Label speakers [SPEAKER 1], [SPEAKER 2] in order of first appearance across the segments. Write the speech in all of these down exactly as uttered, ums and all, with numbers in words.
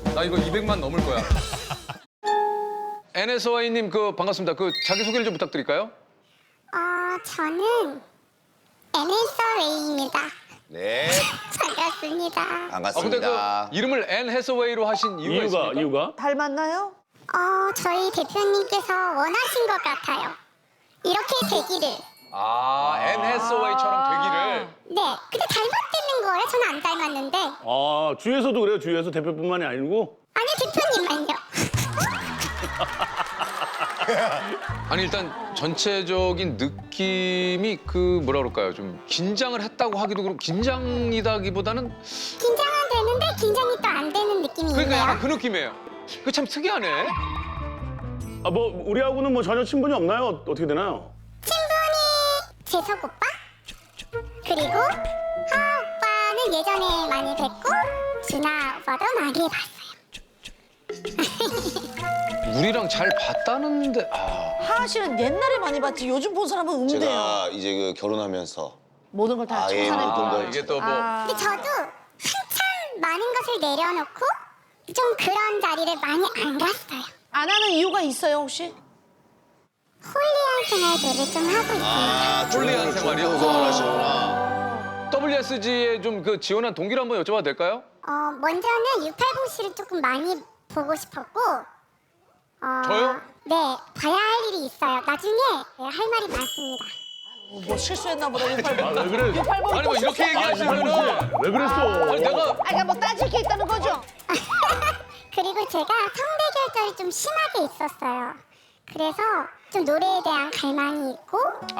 [SPEAKER 1] 나 이거 이백만 넘을 거야. 엔에스와이님 그 반갑습니다. 그 자기 소개를 좀 부탁드릴까요?
[SPEAKER 2] 어, 저는 엔에스웨이입니다.
[SPEAKER 3] 네,
[SPEAKER 2] 반갑습니다.
[SPEAKER 1] 아 근데 그
[SPEAKER 3] 반갑습니다.
[SPEAKER 1] 이름을 앤 해서웨이로 하신 이유가,
[SPEAKER 4] 이유가
[SPEAKER 1] 있습니까?
[SPEAKER 4] 이유가?
[SPEAKER 5] 닮았나요?
[SPEAKER 2] 어, 저희 대표님께서 원하신 것 같아요. 이렇게 되기를.
[SPEAKER 1] 아, 앤 해서웨이처럼 되기를.
[SPEAKER 2] 네, 근데 닮았다는 거예요? 저는 안 닮았는데.
[SPEAKER 4] 아 주위에서도 그래요. 주위에서 대표뿐만이 아니고.
[SPEAKER 2] 아니, 대표님만요.
[SPEAKER 1] 아니 일단 전체적인 느낌이 그 뭐라 그럴까요? 좀 긴장을 했다고 하기도 그렇고 긴장이다기보다는
[SPEAKER 2] 긴장은 되는데 긴장이 또 안 되는 느낌이
[SPEAKER 1] 그러니까
[SPEAKER 2] 있네요.
[SPEAKER 1] 약간 그 느낌이에요. 그 참 특이하네.
[SPEAKER 4] 아 뭐 우리하고는 뭐 전혀 친분이 없나요? 어떻게 되나요?
[SPEAKER 2] 친분이 재석 오빠? 그리고 하하 오빠는 예전에 많이 뵙고 준하 오빠도 많이 봤어요.
[SPEAKER 1] 우리랑 잘 봤다는데 아
[SPEAKER 5] 하하 씨는 옛날에 많이 봤지 요즘 본 사람은 없는데요.
[SPEAKER 3] 제가 이제 그 결혼하면서
[SPEAKER 5] 모든 걸 다
[SPEAKER 3] 아예
[SPEAKER 5] 청산해.
[SPEAKER 3] 모든
[SPEAKER 1] 아,
[SPEAKER 3] 걸
[SPEAKER 1] 이게 또 뭐
[SPEAKER 2] 근데 저도 한참 많은 것을 내려놓고 좀 그런 자리를 많이 안 갔어요.
[SPEAKER 5] 안 하는 이유가 있어요 혹시?
[SPEAKER 2] 홀리한 생활들을 좀 하고 있습니다.
[SPEAKER 3] 아,
[SPEAKER 1] 홀리한 생활이요?
[SPEAKER 3] 좋은 생활 하시구나.
[SPEAKER 1] 더블유에스지에 좀 그 지원한 동기를 한번 여쭤봐도 될까요?
[SPEAKER 2] 어, 먼저는 육팔공 씨를 조금 많이 보고 싶었고 어,
[SPEAKER 1] 저요?
[SPEAKER 2] 네, 봐야 할 일이 있어요. 나중에 할 말이 많습니다.
[SPEAKER 5] 어, 뭐 실수했나 보다 육팔공.
[SPEAKER 4] 아 왜 그래?
[SPEAKER 5] 육팔공
[SPEAKER 1] 아니 뭐 이렇게 얘기하시면은
[SPEAKER 4] 왜 그랬어?
[SPEAKER 1] 아니 내가
[SPEAKER 5] 아 그러니까 뭐 따질 게 있다는 거죠?
[SPEAKER 2] 그리고 제가 성대 결절이 좀 심하게 있었어요. 그래서 좀 노래에 대한 갈망이 있고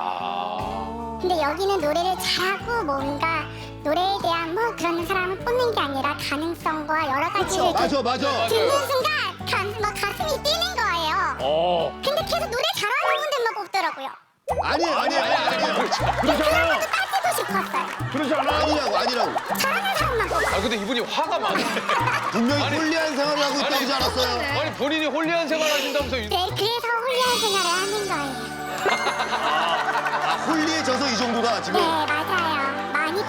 [SPEAKER 1] 아
[SPEAKER 2] 근데 여기는 노래를 잘하고 뭔가 노래에 대한 뭐 그런 사람을 뽑는 게 아니라 가능성과 여러 가지를
[SPEAKER 3] 맞아, 맞아.
[SPEAKER 2] 듣는 순간 가, 막 가슴이 뛰는 거예요.
[SPEAKER 4] 어
[SPEAKER 2] 근데 계속 노래 잘하는 분들만 뽑더라고요.
[SPEAKER 3] 아니에요, 아니에요, 아니에요.
[SPEAKER 4] 그렇지 않아요.
[SPEAKER 2] 따지고 싶었어요.
[SPEAKER 4] 그렇지 않아요.
[SPEAKER 3] 아니라고, 아니라고.
[SPEAKER 2] 잘하는 사람만 뽑아.
[SPEAKER 1] 아 근데 이분이 화가 많아.
[SPEAKER 3] 분명히
[SPEAKER 1] 아니,
[SPEAKER 3] 홀리한 생활을 하고 있다고 하지 않았어요?
[SPEAKER 1] 아니 본인이 홀리한 생활 하신다면서 이-
[SPEAKER 2] 네, 그래서 홀리한 생활을 하는 거예요.
[SPEAKER 3] 아, 홀리해져서 이 정도다, 지금.
[SPEAKER 2] 네, 맞아요. 많이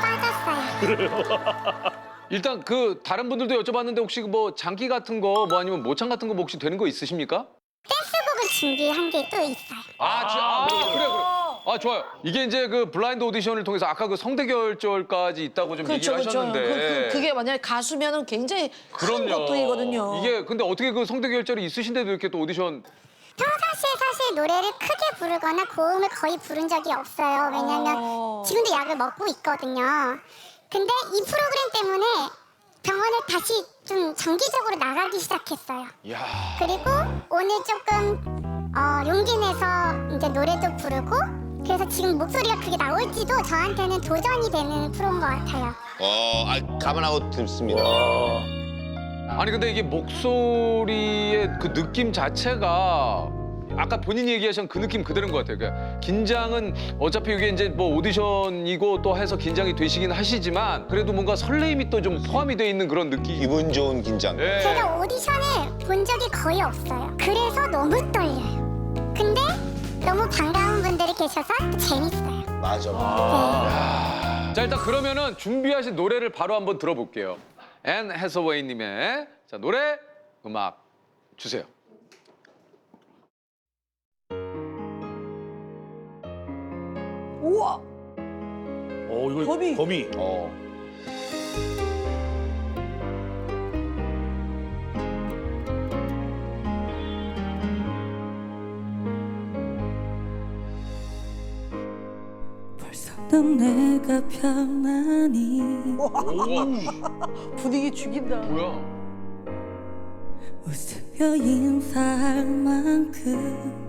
[SPEAKER 2] 빠졌어요.
[SPEAKER 1] 일단 그 다른 분들도 여쭤봤는데 혹시 뭐 장기 같은 거 뭐 아니면 모창 같은 거 뭐 혹시 되는 거 있으십니까?
[SPEAKER 2] 댄스곡을 준비한 게 또 있어요.
[SPEAKER 1] 아, 지, 아 그래 그래. 아 좋아요. 이게 이제 그 블라인드 오디션을 통해서 아까 그 성대 결절까지 있다고 좀
[SPEAKER 5] 그렇죠
[SPEAKER 1] 얘기를
[SPEAKER 5] 그렇죠.
[SPEAKER 1] 하셨는데.
[SPEAKER 5] 그, 그, 그게 만약에 가수면은 굉장히 큰
[SPEAKER 1] 그럼요.
[SPEAKER 5] 것들이거든요.
[SPEAKER 1] 이게 근데 어떻게 그 성대 결절이 있으신데도 이렇게 또 오디션
[SPEAKER 2] 평상시에 사실 노래를 크게 부르거나 고음을 거의 부른 적이 없어요. 왜냐면
[SPEAKER 5] 어.
[SPEAKER 2] 지금도 약을 먹고 있거든요. 근데 이 프로그램 때문에 병원을 다시 좀 정기적으로 나가기 시작했어요.
[SPEAKER 1] 야.
[SPEAKER 2] 그리고 오늘 조금 어, 용기 내서 이제 노래도 부르고 그래서 지금 목소리가 그게 나올지도 저한테는 도전이 되는 프로인 것 같아요.
[SPEAKER 3] 어, 아, 감안하고 듣습니다.
[SPEAKER 1] 아니 근데 이게 목소리의 그 느낌 자체가 아까 본인이 얘기하신 그 느낌 그대로인 것 같아요. 그러니까 긴장은 어차피 이게 이제 뭐 오디션이고 또 해서 긴장이 되시긴 하시지만 그래도 뭔가 설레임이 또 좀 포함이 돼 있는 그런 느낌.
[SPEAKER 3] 기분 좋은 긴장.
[SPEAKER 1] 예.
[SPEAKER 2] 제가 오디션을 본 적이 거의 없어요. 그래서 너무 떨려요. 근데 너무 반가운 분들이 계셔서 재밌어요.
[SPEAKER 3] 맞아.
[SPEAKER 2] 네.
[SPEAKER 1] 자 일단 그러면은 준비하신 노래를 바로 한번 들어볼게요. 앤 해서웨이님의 자 노래 음악 주세요.
[SPEAKER 5] 우와.
[SPEAKER 4] 어 이거
[SPEAKER 5] 거미.
[SPEAKER 4] 거미.
[SPEAKER 3] 어.
[SPEAKER 6] 벌써 넌 내가 편하니
[SPEAKER 1] 우와
[SPEAKER 5] 분위기 죽인다.
[SPEAKER 1] 뭐야?
[SPEAKER 6] 웃으며 인사할 만큼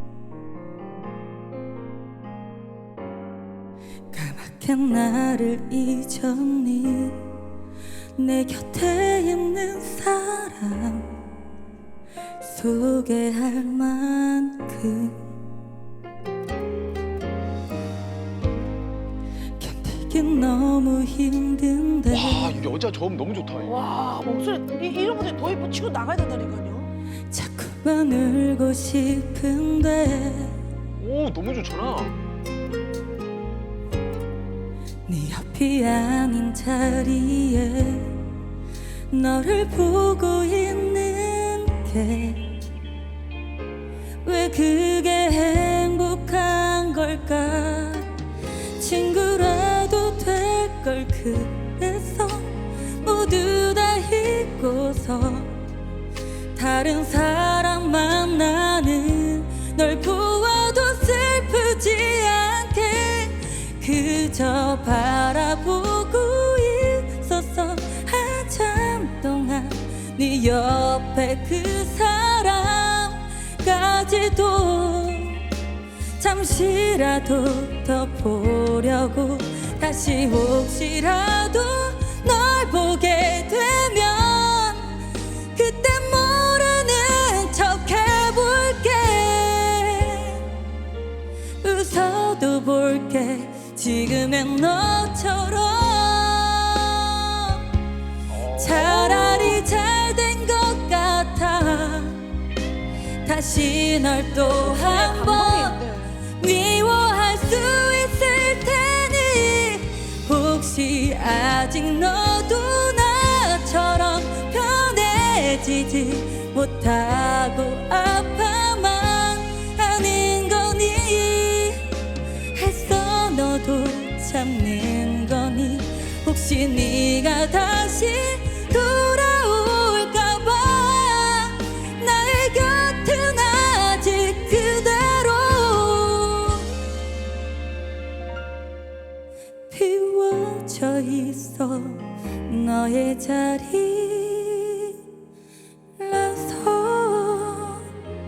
[SPEAKER 6] 까맣게 나를 잊었니 내 곁에 있는 사람 소개할 만큼 견디긴 너무 힘든데
[SPEAKER 1] 와 이 여자 저음 너무 좋다. 이거.
[SPEAKER 5] 와 목소리 이, 이런 분들 더 이뻐 치고 나가야 된다니까요.
[SPEAKER 6] 자꾸만 울고 싶은데
[SPEAKER 1] 오 너무 좋잖아.
[SPEAKER 6] 네 옆이 아닌 자리에 너를 보고 있는 게 왜 그게 행복한 걸까? 친구라도 될 걸 그래서 모두 다 잊고서 다른 사람 만나는 널 보아도 슬프지 않게 그저 바라보고 있었어. 한참 동안 네 옆에 그 사람까지도 잠시라도 더 보려고 다시 혹시라도 널 보게 되면 그때 모르는 척 해볼게. 웃어도 볼게 지금의 너처럼. 차라리 잘 된 것 같아. 다시 널 또 한 번 미워할 수 있을 테니 혹시 아직 너도 나처럼 편해지지 못하고 아파만 하는 거니. 했어 너도 참는 거니. 혹시 네가 다시 돌아올까봐 나의 곁은 아직 그대로 비워져 있어. 너의 자리라서.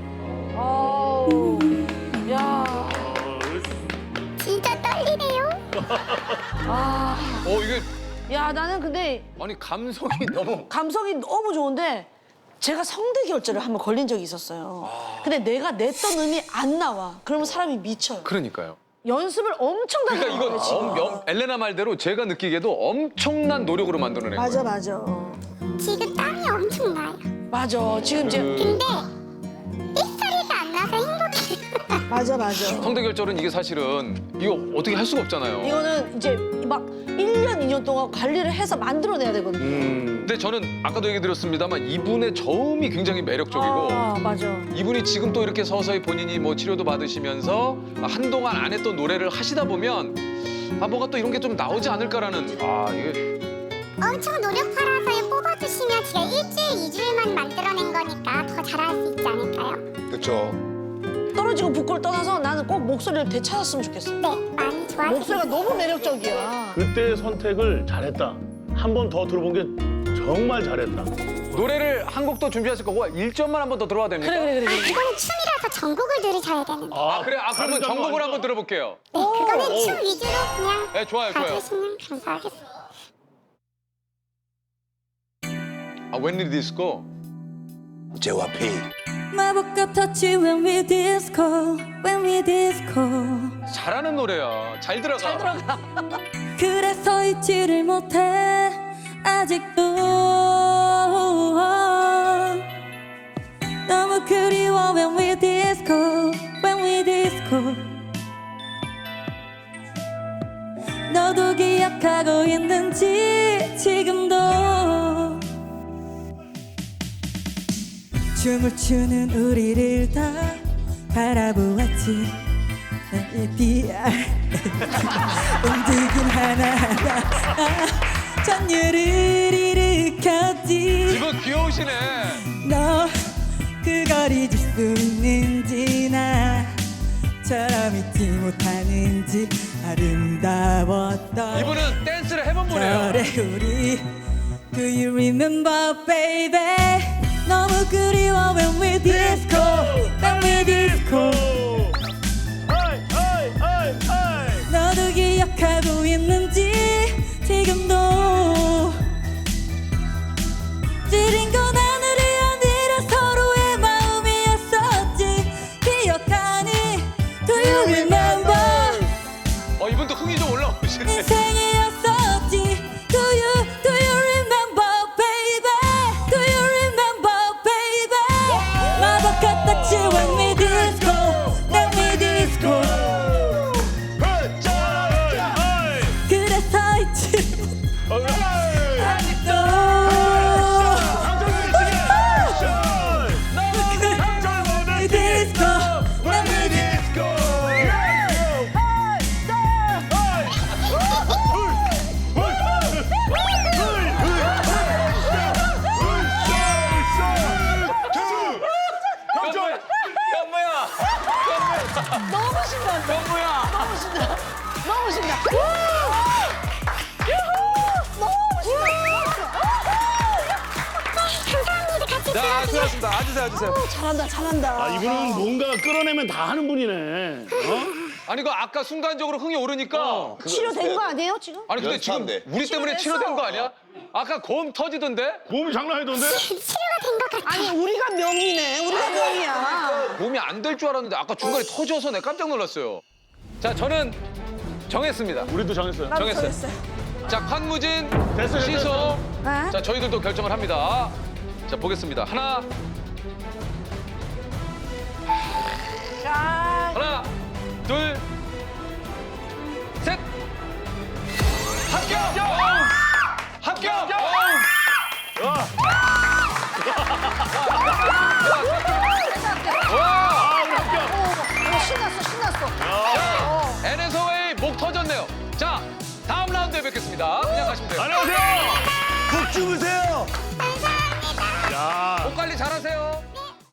[SPEAKER 5] 아우, 야,
[SPEAKER 2] 진짜 떨리네요.
[SPEAKER 5] 아,
[SPEAKER 1] 어 이게
[SPEAKER 5] 야, 나는 근데
[SPEAKER 1] 아니 감성이 너무
[SPEAKER 5] 감성이 너무 좋은데 제가 성대 결절을 한번 걸린 적이 있었어요. 근데 내가 냈던 음이 안 나와. 그러면 사람이 미쳐요.
[SPEAKER 1] 그러니까요.
[SPEAKER 5] 연습을 엄청나게
[SPEAKER 1] 그러니까 이거
[SPEAKER 5] 해요, 지금.
[SPEAKER 1] 엄, 엄, 엘레나 말대로 제가 느끼기에도 엄청난 노력으로 만들어낸
[SPEAKER 5] 맞아,
[SPEAKER 1] 거예요.
[SPEAKER 5] 맞아.
[SPEAKER 2] 지금 땀이 엄청 나요.
[SPEAKER 5] 맞아. 지금 이제
[SPEAKER 2] 근데 삐소리가 안 나서 행복해요.
[SPEAKER 5] 맞아, 맞아.
[SPEAKER 1] 성대 결절은 이게 사실은 이거 어떻게 할 수가 없잖아요.
[SPEAKER 5] 이거는 이제 막 일 년, 이 년 동안 관리를 해서 만들어내야 되거든요.
[SPEAKER 1] 근데 저는 아까도 얘기 드렸습니다만 이분의 저음이 굉장히 매력적이고
[SPEAKER 5] 아, 맞아.
[SPEAKER 1] 이분이 지금 또 이렇게 서서히 본인이 뭐 치료도 받으시면서 한동안 안 했던 노래를 하시다 보면 아 뭐가 또 이런 게 좀 나오지 않을까라는 아 이게
[SPEAKER 2] 엄청 노력 팔아서 뽑아주시면 제가 일주일, 이주일만 만들어낸 거니까 더 잘할 수 있지 않을까요?
[SPEAKER 3] 그렇죠.
[SPEAKER 5] 떨어지고 붓고를 떠나서 나는 꼭 목소리를 되찾았으면 좋겠어.
[SPEAKER 2] 네, 많이 좋아졌어요.
[SPEAKER 5] 목소리가 너무 매력적이야.
[SPEAKER 4] 그때 선택을 잘했다. 한 번 더 들어본 게 정말 잘했다.
[SPEAKER 1] 노래를 한 곡 더 준비하실 거고 일 점만 한 번 더 들어봐도 됩니까?
[SPEAKER 5] 그래, 그래, 그래.
[SPEAKER 2] 아,
[SPEAKER 5] 그래.
[SPEAKER 2] 그거는 춤이라서 전곡을 들으셔야 되는데.
[SPEAKER 1] 아 그래 아 그러면
[SPEAKER 4] 다른
[SPEAKER 1] 전곡을
[SPEAKER 4] 거
[SPEAKER 1] 한번 들어볼게요.
[SPEAKER 2] 네, 그거는 춤 위주로 그냥
[SPEAKER 1] 네 좋아요 좋아요.
[SPEAKER 2] 가주시면 감사하겠습니다.
[SPEAKER 1] 아 웬일 디스코?
[SPEAKER 3] 제와피.
[SPEAKER 6] 마법 같았지 when we disco when we disco.
[SPEAKER 1] 잘하는 노래야. 잘 들어가.
[SPEAKER 5] 잘 들어가.
[SPEAKER 6] 그래서 잊지를 못해 아직도. 너무 그리워 when we disco when we disco. 너도 기억하고 있는지 지금도. 춤을 추는 우리를 다 바라보았지. 나의 디알 움직임 하나하나 전율을 일으켰지.
[SPEAKER 1] 이분 귀여우시네.
[SPEAKER 6] 너 그걸 잊을 수 있는지 나처럼 잊지 못하는지 아름다웠던
[SPEAKER 1] 이분은 댄스를 해본 분이에요.
[SPEAKER 6] 저래 우리 Do you remember baby. 너무 그리워 when we disco when we disco. 너도 기억하고 있는지 지금도. 지린 건 하늘이 아니라 서로의 마음이었었지. 기억하니 Do you remember.
[SPEAKER 1] 어 이분도 흥이 좀 올라오시네.
[SPEAKER 6] 인생이었었지. Do you do you remember baby. Do you remember baby. 마법 같았지 when we disco
[SPEAKER 1] 자, 수고하셨습니다. 앉으세요, 앉으세요.
[SPEAKER 5] 어, 잘한다, 잘한다.
[SPEAKER 4] 아, 이분은 뭔가 끌어내면 다 하는 분이네. 어?
[SPEAKER 1] 아니, 그 아까 순간적으로 흥이 오르니까.
[SPEAKER 5] 치료된 거 아니에요, 지금?
[SPEAKER 1] 아니, 근데 지금
[SPEAKER 3] 연습하면 돼.
[SPEAKER 1] 우리 때문에
[SPEAKER 5] 치료됐어.
[SPEAKER 1] 치료된 거 아니야? 아까 고음 터지던데?
[SPEAKER 4] 몸이 장난 아니던데?
[SPEAKER 2] 치료가 된 것 같아.
[SPEAKER 5] 아니, 우리가 명이네. 우리가 명이야.
[SPEAKER 1] 고음이 안 될 줄 알았는데 아까 중간에 터져서 내가 깜짝 놀랐어요. 자, 저는 정했습니다.
[SPEAKER 4] 우리도 정했어요.
[SPEAKER 5] 나도
[SPEAKER 1] 정했어요.
[SPEAKER 5] 정했어요.
[SPEAKER 1] 자, 판무진,
[SPEAKER 4] 됐어요,
[SPEAKER 1] 시소.
[SPEAKER 4] 됐어요.
[SPEAKER 5] 네?
[SPEAKER 1] 자, 저희들도 결정을 합니다. 자, 보겠습니다. 하나,
[SPEAKER 5] 자,
[SPEAKER 1] 하나, 둘, 셋. 합격! 합격! 와!
[SPEAKER 4] 아, 우리 합격.
[SPEAKER 5] 어, 신났어, 신났어.
[SPEAKER 1] 엔에스오에이 목 터졌네요. 자, 다음 라운드에 뵙겠습니다. 그냥 가시면 돼요.
[SPEAKER 4] 안녕하세요.
[SPEAKER 3] 푹 주무세요.
[SPEAKER 4] 야.
[SPEAKER 1] 목 관리 잘하세요.